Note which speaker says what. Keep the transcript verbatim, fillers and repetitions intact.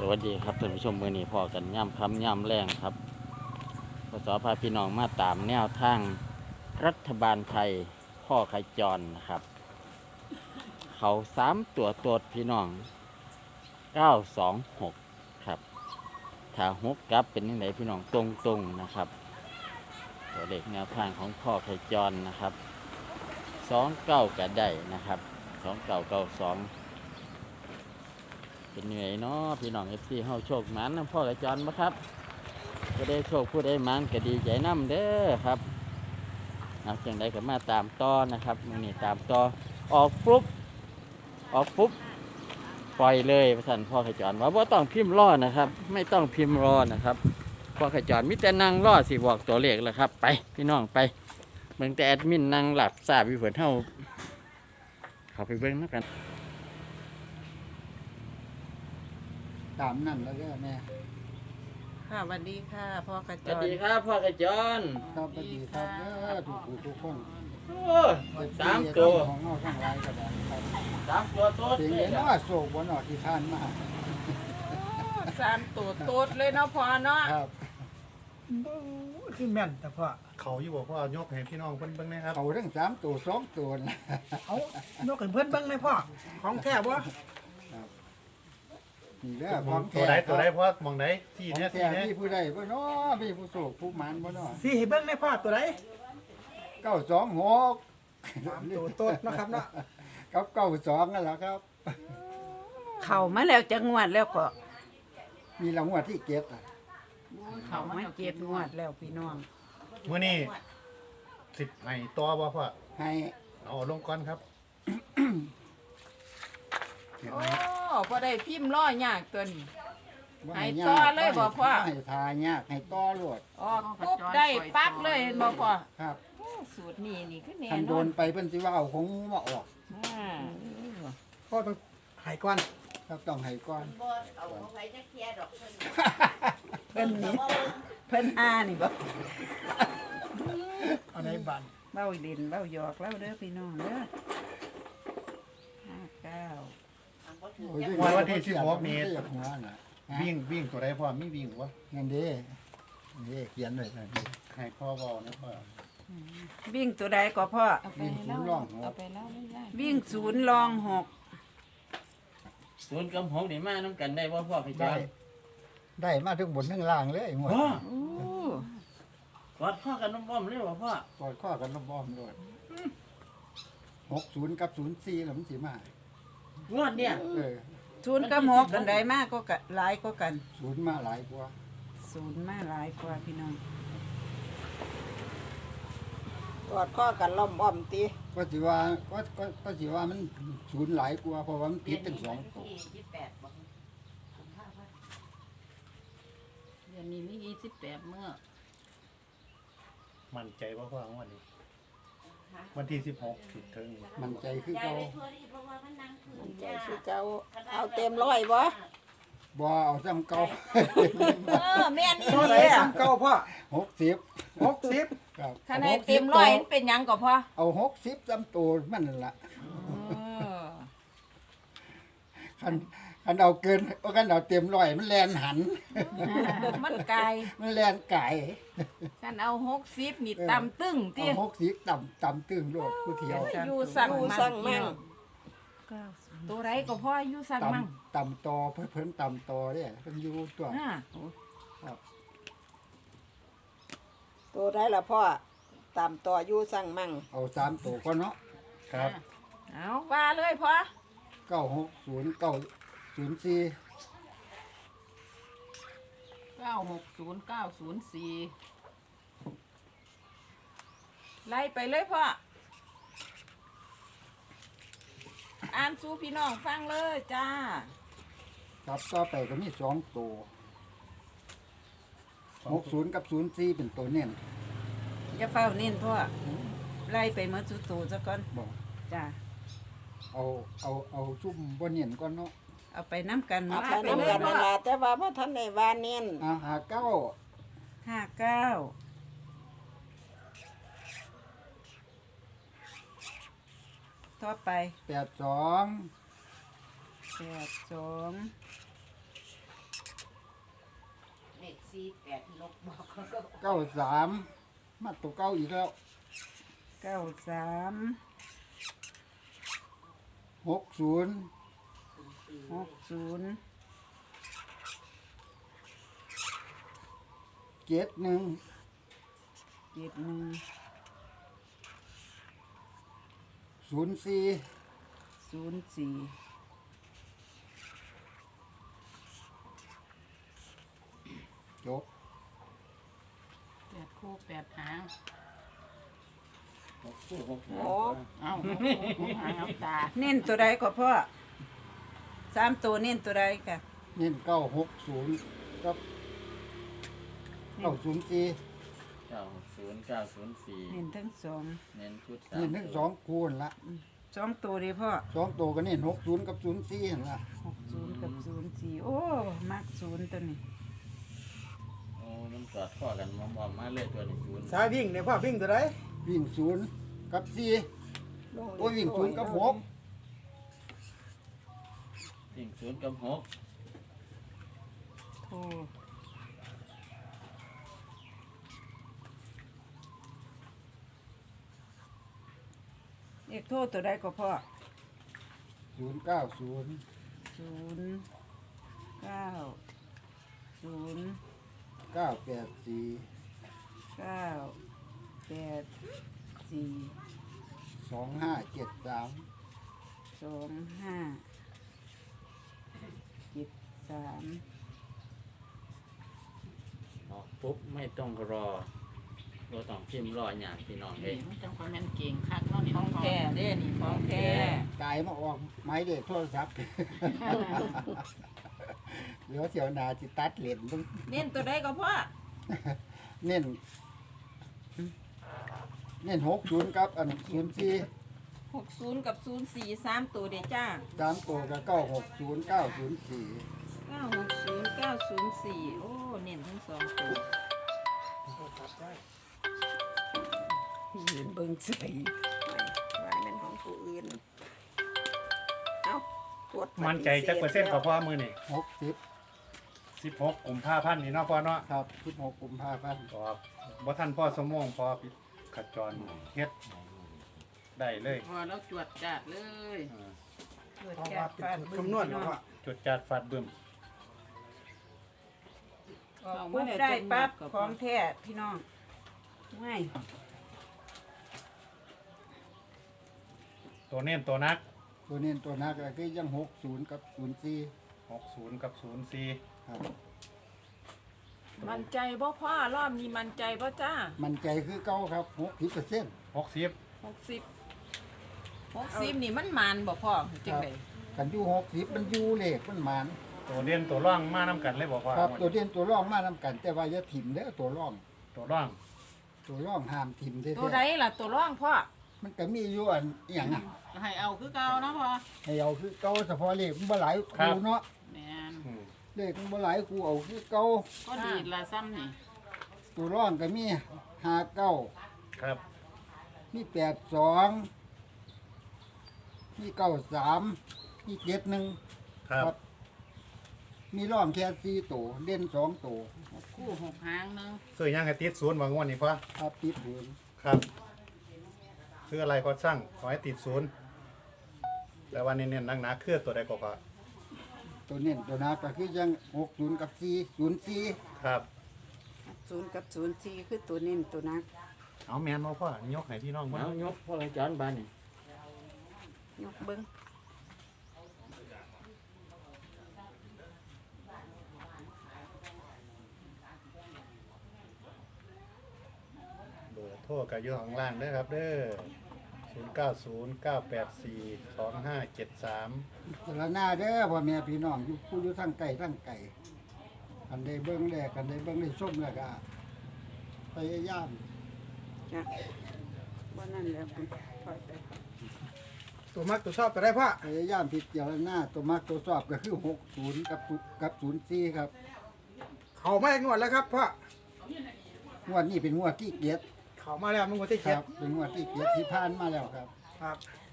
Speaker 1: วัสดีครับท่านผู้ชมมือนี้พอกันย่ำคำย่ำแรงครับพศพาพี่น้องมาตามแนวทางรัฐบาลไทยพ่อขจรนะครับ เขาสามตัวตดพี่น้องเก้าสองหกครับถ้าหกกลับเป็นยังไงพี่น้องตรงตรงนะครับ ตัวเลขแนวทางของพ่อขจรนะครับสองเก้ากระได้นะครับสองเก้าเก้าสองเป็นยังไงเนาะพี่น้องเอฟซีเฮาโชคหมันนะพ่อขจรบ่ครับก็ได้โชคผู้ได้หมันก็ดีใจน้ำเด้อครับเอาจังใดก็มาตามต่อนะครับมื้อนี้ตามต่อออกปุ๊บออกปุ๊บปล่อยเลยพระท่านพ่อขจรว่าบ่ต้องพิมพ์รอนะครับ ไม่ต้องพิมพ์รอนะครับพ่อขจรมิแต่นั่งรอสิบอกตัวเลขแล้วครับไปพี่น้องไปเบิ่งแต่แอดมินนั่งหลับทราบอยู่เพิ่นเฮาเข้าไปเบิ่งนำกัน
Speaker 2: ตามนั่นแล้วก็แม่
Speaker 3: ค่ะสวัสดีค่ะพ่อกระ
Speaker 1: ส
Speaker 3: จ
Speaker 1: วัส
Speaker 3: ร
Speaker 1: ดีครับพ่อกระจร
Speaker 2: ครับสวัสดีครับเด้อทุกผู้ทุกคน
Speaker 1: โอ้สามตัว
Speaker 2: ของเฮาทั้งหลายก็ได้ครับ
Speaker 1: สามตัวโต๊ด
Speaker 2: เสียง
Speaker 1: เล
Speaker 2: เห็
Speaker 1: ย
Speaker 2: น
Speaker 1: นะ
Speaker 2: ว่าโศกบ่เนาะที่ทานมา
Speaker 3: สามตัวตูดเลยเนาะพ่อเนาะ
Speaker 2: ครับ
Speaker 4: คือแม่นแต่พ่อ
Speaker 5: เขาอยู่บอกว่ายกให้พี่น้องเพิ่นเบิ่งนะครับ
Speaker 2: เขาทั้งสามตัวสองตัวนะ
Speaker 4: เอายกให้เพื่อนเบิ่งเลยพ่อของแท้บ่
Speaker 2: นี่เด้อของ
Speaker 5: ตัว
Speaker 2: แท้
Speaker 5: ใดตัวใดเพราะมองใดที่
Speaker 2: ของ
Speaker 5: เนี้ย
Speaker 2: แท้
Speaker 5: ที่เนี้ย
Speaker 2: มีผู้ใดบ่เนาะมีผู้โศกผู้หมานบ่เนาะ
Speaker 4: สิให้เบิ่งเลยพ่อตัวใด
Speaker 2: เก้าสองหก
Speaker 4: สามตัวโตดเนาะครับเนาะ
Speaker 2: กับเก้าสองนั่นแหละครับ
Speaker 3: เข้ามาแล้วจะงวดแล้วก็
Speaker 2: มีรางวัลที่เก็บอ่ะ
Speaker 3: เข้ามาเจ็ดงวดแล้วพี่น้อง
Speaker 5: มื้อนี้สิบให้ตัวบ่พ่อ
Speaker 2: ให้
Speaker 5: เอาลงก่อนครับเห็น
Speaker 3: โอ้
Speaker 5: ไหม
Speaker 3: พอได้พิมพ์ล้อยากตัวนี้
Speaker 2: บ่
Speaker 3: ให้
Speaker 2: ยาก
Speaker 3: ต่อเลยบ่พ่อ
Speaker 2: ให้ทายากให้ต่อโลด
Speaker 3: ออกปุ๊บได้ปั๊บเลยเห็นบ่พ่อ
Speaker 2: ครับ
Speaker 3: โอ้สูตรนี้นี่คือแน่
Speaker 2: คัน
Speaker 3: น
Speaker 2: โด
Speaker 3: อน
Speaker 2: นไปเพิ่นสิว่าเอาคงมาออก
Speaker 3: อ่า
Speaker 4: พ่อต้องให้ก่อน
Speaker 2: ครับต้องให้ก่อน
Speaker 3: เพิ่นนี่เพิ่นอานี่บ่
Speaker 4: เอาในบ้าน
Speaker 3: เบ้าเล่นเบ้าหยอกแล้วเด้อพี่น้องเด้อห้าเก้า
Speaker 2: โอ้ย
Speaker 5: วันวันที่สิบหกนี้
Speaker 2: เรียกหัวน่ะ
Speaker 5: วิ่งวิ่งตัวใดพ่อมีวิ่งบ่
Speaker 2: นั่นเด้นี่เขียนไว้นั่นเด้
Speaker 5: ให้พ่อเว้านะพ่อ
Speaker 3: วิ่งตัวใดก็พ่อ
Speaker 2: วิ่งศูนย์ร่องหัว
Speaker 3: วิ่งศูนย์รองหก
Speaker 1: ศูนย์กับหกนี่มาน้ำกันได้ว่าพ่อขจ
Speaker 2: ได้
Speaker 1: ร
Speaker 2: ได้มาทั้งบนทั้งล่างเลยหมด
Speaker 1: พ่อ
Speaker 3: โอ้
Speaker 1: กอดข้อกันน้ำบ้อมเลยว่าพ่อก
Speaker 2: อดข้อกันล้อมๆด้วยหกศูนย์กับศูนย์สี่แล้วมันสิมาง
Speaker 1: วดเนี่ย
Speaker 2: เออ
Speaker 3: ศูนย์กับหกอันใดมากก็กะหลายก็กัน
Speaker 2: ศูนย์มาหลายกว่า
Speaker 3: ศูนย์มาหลายกว่าพี่น้อง
Speaker 6: กอดข้อกันล้อมอ้อมตี
Speaker 2: ก็สิว่าก็ก็ก็สิว่ามันศูนย์หลายกว่าเพราะว่ามันผิดทั้งสองตัว
Speaker 7: เดือนนี้มียี่สิบแปดเมื่อ
Speaker 5: มั่นใจบ่พ่อวันนี้วันที่สิบหกสิถึง
Speaker 2: มันใจคือเก่า
Speaker 6: มันใจคือเจ้าเอาเต็มร้อยบ่
Speaker 2: บ่เอาซ้ำเก่า
Speaker 6: เออแม่นอี
Speaker 4: ตัว
Speaker 6: ห
Speaker 4: ใด
Speaker 6: ลี
Speaker 4: ซ้ำเก่าพ่อ
Speaker 2: หกสิบ
Speaker 4: หกสิบ
Speaker 2: ครับ
Speaker 3: คะแนนเต็มร้อยมันเป็นหยังก็พอ
Speaker 2: เอาหกสิบซ้ำตัวมันนั่นล่ะ คันคันเอาเกินเอาคันเอาเต็มร้อยมันแลนหัน
Speaker 3: มันไกล
Speaker 2: มันแลนไก่
Speaker 3: ฉันเอาหกสิบนี่ตำตึ้ง
Speaker 2: เอา
Speaker 3: ที่
Speaker 2: หกสิบต่ำต่ำตึงโลดผู้เที่ยว
Speaker 3: อยู่สั่ง
Speaker 6: ดู
Speaker 3: มั่
Speaker 6: สั่ง
Speaker 3: ง
Speaker 6: มั่ง
Speaker 3: ตัวไรก็พออยู่สั่ง
Speaker 2: ต่
Speaker 3: มั่ง
Speaker 2: ำต่ำต่อเพิ่นเพิ่นต่ำต่อเนี่ยเพิ่นอยู่ตัว
Speaker 3: อ่า
Speaker 6: ตัวได้ละพ่อตามต่ออยู่สั่งมั่ง
Speaker 2: เอาสามตัวก่อนเนาะ
Speaker 5: ครับ
Speaker 3: เอาว่าเลยพอ
Speaker 2: เก้าหกศูนย์เก้าศูนย์สี่
Speaker 7: เก้าหกศูนย์เก้าศูนย์สี่
Speaker 3: ไล่ไปเลยพ่ออ่านสู่พี่น้องฟังเลยจ้า
Speaker 2: ครับต่อไปก็มีสองตัวหกศูนย์กับศูนย์สี่เป็นตัวเน้น
Speaker 3: อย่าเฝ้าเน้นพ่อไล่ไปเมื่อสุดตูซะก่อน
Speaker 2: บอก
Speaker 3: จ้า
Speaker 2: เอาเอาเอาซุ่มบนเน้นก่อนเนาะ
Speaker 3: เอาไปน้ำกัน
Speaker 6: เอา
Speaker 3: มา
Speaker 6: ไปน้ำกันนั่นล่ะแต่ว่าพ่ท่านในวานเน้น
Speaker 2: อาหาเก้า
Speaker 3: ห้าเก้าต่อไป
Speaker 2: แปดสอง
Speaker 3: แปดสอง
Speaker 7: สี่แปดนกบอก
Speaker 2: เก้าสามมาตัวเก้าอีกแล้ว
Speaker 3: เก้าสาม
Speaker 2: หกศูนย์
Speaker 3: หกศูนย์
Speaker 2: เจ็ดหนึ่ง
Speaker 3: เจ็ดหนึ่ง
Speaker 2: ศูนย์สี่
Speaker 3: ศูนย์สี่
Speaker 2: จบ
Speaker 7: แปดคู่แปดหาง
Speaker 1: หกคู่หก
Speaker 6: โอ้
Speaker 7: เอ้าหกคู่หางเอาตา
Speaker 3: เน้นตัวใดก็พ่อสามตัวเน้นตัวใดค่ะ
Speaker 2: เน้นเก้าหกศูนย์กับเก้าศูนย์สี่
Speaker 1: เก้าหกศูนย์เก้าศูนย์สี่
Speaker 3: เน้นทั้งสอง
Speaker 1: เน้นชุดสาม
Speaker 2: เน้นทั้งสองคูณละ
Speaker 3: สองตัวดีพ่อ
Speaker 2: สองตัวก็เน้นหกศูนย์กับศูนย์สี่นั่นละ
Speaker 3: หกศูนย์กับศูนย์สี่โอ้มักศูนย์ตัวนี้
Speaker 1: โอ้มันกอดข้อกันมอมๆมาเลยตัวนี้ศูนย์
Speaker 4: สายวิ่งเนี่ยพ่อวิ่งตัวไหน
Speaker 2: วิ่งศูนย์กับสี่
Speaker 6: ลง
Speaker 2: โอ้ยวิ่งศูนย์กับหก
Speaker 1: วิ่งศูนย์กับหก
Speaker 3: โทรเลขโทรตัวใดก็พ่อ
Speaker 2: ศูนย์เก้าศูนย์
Speaker 3: ศูนย์เก้าศูนย์
Speaker 2: เก้าแปดสี่
Speaker 3: เก้าแปดสี่
Speaker 2: สองห้าเจ็ดสาม
Speaker 3: สองห้าเจ็ดสาม
Speaker 1: ออกปุ๊บไม่ต้องรอเราต้องพิมพ์รออย่างพี่น้องเอ
Speaker 7: เฮ้ย
Speaker 1: ง
Speaker 7: มันจังความแม่นเก่งคักเนาะนี่
Speaker 3: ของแท้เด้นี่ของแท้
Speaker 2: กายมาออกไม้เด็กโทรศัพท์ เหลือเสียวหนาจิตัดเหรียญต้อง
Speaker 3: เน้นตัวใดก็พ่อ
Speaker 2: เน้นเน้นหกศูนย์ครับอันศูนย์สี่
Speaker 3: หกศูนย์กับศูนย์สี่สามตัวเด้จ้า
Speaker 2: สามตัวกับเก้าหกศูนย์เก้าศูนย์สี่
Speaker 3: เก้าหกศูนย์เก้าศูนย์สี่โอ้เน้นทั้งสองตัวยืนเบิ่งใส่
Speaker 6: ว่าเป็นของผู้อื่น เอ้าตรวจ
Speaker 5: มั่นใจจักเปอร์เซ็นต์กับพ่อมือนี่
Speaker 2: หกสิบ
Speaker 5: สิบหกกุมภาพันธ์นี่เนาะพ่อเนาะ
Speaker 2: ครับสิบหกกุมภาพันธ์
Speaker 5: ก็บ่ท่านพ่อสมมงพ่อขจรเฮ็ดได้เลย
Speaker 7: พอเราจวดจัดเลย
Speaker 5: อ่า
Speaker 3: เกิด
Speaker 4: เพราะ
Speaker 3: จา
Speaker 5: Ờ,
Speaker 4: ว่าก เป็นสูตรคำนวณเนาะพ่อ
Speaker 5: จุดจัดฟัดบึ้ม
Speaker 3: ออกปุ๊บได้ปั๊บของแท้พี่น้องไม่
Speaker 5: ตัวเน้นตัวนัก
Speaker 2: ตัวเน้นตัวนักก็คือยังหกศูนย์กับศูนย์สี่
Speaker 5: หกศูนย์กับศูนย์สี่
Speaker 2: ครับ
Speaker 8: มันใจบ่พ่อรอบนี้มันใจบ่จ้า
Speaker 2: มันใจคือเก้าครับหกสิบเปอร์เซ็นต์
Speaker 5: หกสิบ
Speaker 8: หกสิบหกสิบนี่มันมันบ่พ่อจังได
Speaker 2: กันอยู่หกสิบมันอยู่เลขมันหมาน
Speaker 5: ตัวเด่นตัวร่องมาน้ำกันเลยบอกว่า
Speaker 2: ครับตัวเด่นตัวร่องมานำกัน แต่ว่าอย่าถิ่มเด้อตัวร่อง
Speaker 5: ตัวร่อง
Speaker 2: ตัวร่องห้ามถิ่มเด้
Speaker 8: ตัวใดล่ะตัวร่องพ่อ
Speaker 2: มันก็มีอยู่อันอหย่างอ่ะ
Speaker 7: ให้เอาคือเก่าเนาะพอ
Speaker 2: ให้เอาคือเก้าเฉพาะเลขมันบ่หลายคูเนาะ
Speaker 7: แม่น
Speaker 5: อืม
Speaker 2: เลขมันบ่หลายคูเอาคือเก้า
Speaker 7: ก็ดีละซ้ำนี่
Speaker 2: ตัวร่องก็มีห้าเก้า
Speaker 5: ครับ
Speaker 2: มีแปดสองมีเก้าสามมีเจ็ดหนึ่ง
Speaker 5: ครับ
Speaker 2: มีร่องแค่สี่ตัวเด่นสองตัว
Speaker 7: คู่หกหางหนึง
Speaker 5: ซื้อยังให้ติดศูนย์บางวันนี้พ่อ
Speaker 2: ครับติดหืน
Speaker 5: ครับซื้ออะไรก็สั่งขอให้ติดศูนย์แต่วันนี้เน้นหนักๆคือตัวใดก็พอ
Speaker 2: ตัวเน้นตัวนักก็คือยังหกศูนย์กับสี่ศูนย์สี่
Speaker 5: ครับ
Speaker 3: ศูนย์กับศูนย์สี่คือตัวเน้นตัวนัก
Speaker 5: เอาแมนมาพ่อยกให้พี่น้องพ่อ
Speaker 1: เอายกพ่อจอนบ้านนี่
Speaker 3: ยกเบิ้ง
Speaker 5: เบอร์โทรกับอยู่ข้างล่างเด้อครับเด้อศูนย์เก้าศูนย์เก้าแปดสี่สองห้าเจ็ดสาม
Speaker 2: สารหน้าเด้อพ่อแม่พี่น้องอยู่ผู้อยู่ทั้งไก่ทั้งไก่กันได้เบิ้งแรกกันได้เบิ้งได้ส้มแล้วก็พยายาม
Speaker 3: จ้ะว่านั่นแหล้วคุณพ่อไป
Speaker 4: ตัวมักตัวชอบตัวได้พ่อ
Speaker 2: พยายามพิจารณาตัวมักตัวสอบก็คือหกศูนย์กับศูกับศูนย์สี่ครับ
Speaker 4: เขามาอีกงวดแล้วครับพ่อง
Speaker 2: วดนี้เป็นงวดที่เกียรติ
Speaker 4: เขามาแล้วมันงวดที่
Speaker 2: ค
Speaker 4: เจ็ด
Speaker 2: รับเป็นงวดที่เกียรติที่ผ่านมาแล้วครับ
Speaker 4: ครับ